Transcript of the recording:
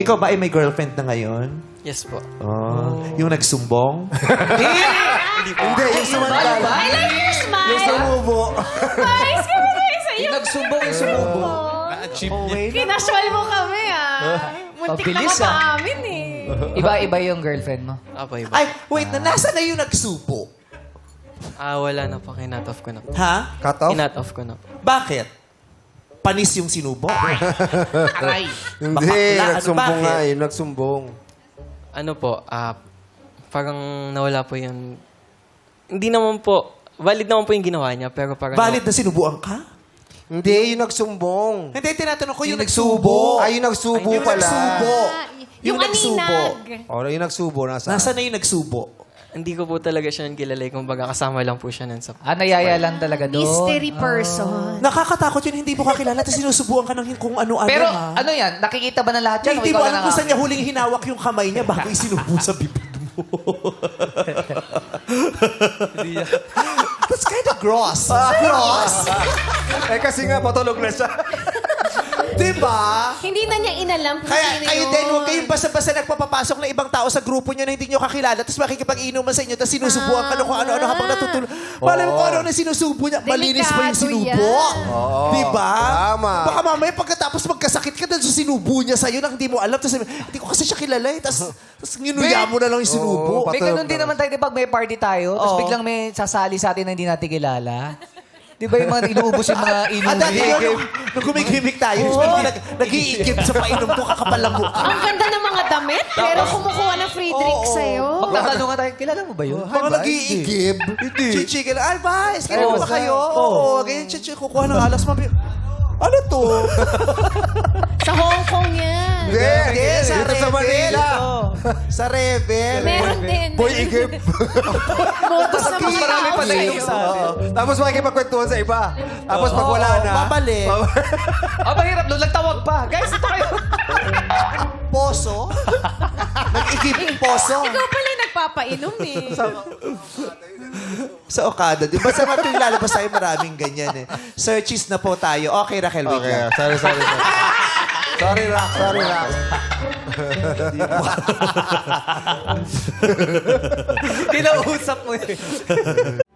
Ikaw ba ay may girlfriend na ngayon? Yes po. Oh. Yung nagsumbong? Hindi, yung sumandal. I like your smile. Yung sumubo. Guys, kami tayo sa'yo. Yung nagsumbong, yung sumubo. Oh, wait. Kinasual mo kami, Muntik na Pabilis, mapaamin, eh. Iba-iba yung girlfriend mo. Apo, iba. Ay, wait na. Nasaan na yung nagsubo? Wala na po. Kinat off ko na po. Ha? Cut off? Kinat off ko na po. Bakit? Panis yung sinubo? Aray. Hindi, Bakla. Ano, nagsumbong bakit? nga eh. Nagsumbong. Ano po, parang nawala po yung... Hindi naman po, valid naman po yung ginawa niya, pero parang... Valid na sinubuan ka? Hindi, yung nagsumbong. Hindi, tinatanong ko yung nagsubo. Ay, yung nagsubo Yung pala. nagsubo. Yung nagsubo. aninag. O, yung nagsubo. Nasaan? Nasaan na yung nagsubo? Hindi ko po talaga siya kilala. Kumbaga, kasama lang po siya nun sa... Nayaya lang talaga doon. Mystery person. Nakakatakot yun, hindi mo kakilala, tapos sinusubuan ka ng kung ano-ano. Pero ha? ano yan? Nakikita ba ng lahat yan? Hindi O mo ikaw alam lang kung ang- saan niya huling hinawak yung kamay niya bago isinubo sa bibig mo. That's kind of gross. Gross. Eh, kasi nga, patulog na siya. Diba? Hindi na niya inalam kung Kaya sino kayo yun. din, huwag kayong basta-basta nagpapapasok ng ibang tao sa grupo nyo na hindi nyo kakilala, tapos makikipag-inuman sa inyo, tapos sinusubuan ka ng kung ano-ano habang natutulog. Malay mo kung ano na sinusubo niya. Malinis pa yung Delikado sinubo. Oo. Diba? Tama. Baka mamaya pagkatapos magkasakit ka dahil sa sinubo niya sa'yo na hindi mo alam. Tapos sabi, hindi ko kasi siya kilala eh. Tapos nginuya mo na lang yung sinubo. Oo. May ganun din naman tayo, di ba? May party tayo, tapos Oo. biglang may sasali sa atin na hindi natin kilala. Di ba yung mga inuubos yung mga Dati inuwi? yun, nung gumigimik tayo, nag-iikip sa painom ko, kakapal lang mukha. Ang ganda ng mga damit, pero kumukuha ng free drink sa'yo. Magtatanong nga tayo, kilala mo ba yun? Mga nag-iigib. Chichikin. Ay, guys, kailan ba kayo? Oo, ganyan, chichik. Kukuha ng alas. Ano to? Sa Hong Kong yan. Hindi, sa Dito sa Rebel. Manila. Sa Rebel. Meron din. Boy, igib. Modus na Mas marami pa tayo sa'yo. sa atin. Tapos makikipagkwentuhan sa iba. Tapos pag wala na... Babalik. Mahirap doon. Nagtawag pa. Guys, ito kayo. Poso? Nag-igib poso? Ikaw pala yung nagpapainom, eh. Sa Okada. Di ba sa mga lalabas tayo maraming ganyan eh. Searches na po tayo. Okay, Raquel, wait Okay, lang. sorry. Sorry, Rock. Sorry, Rock. Kinausap mo eh.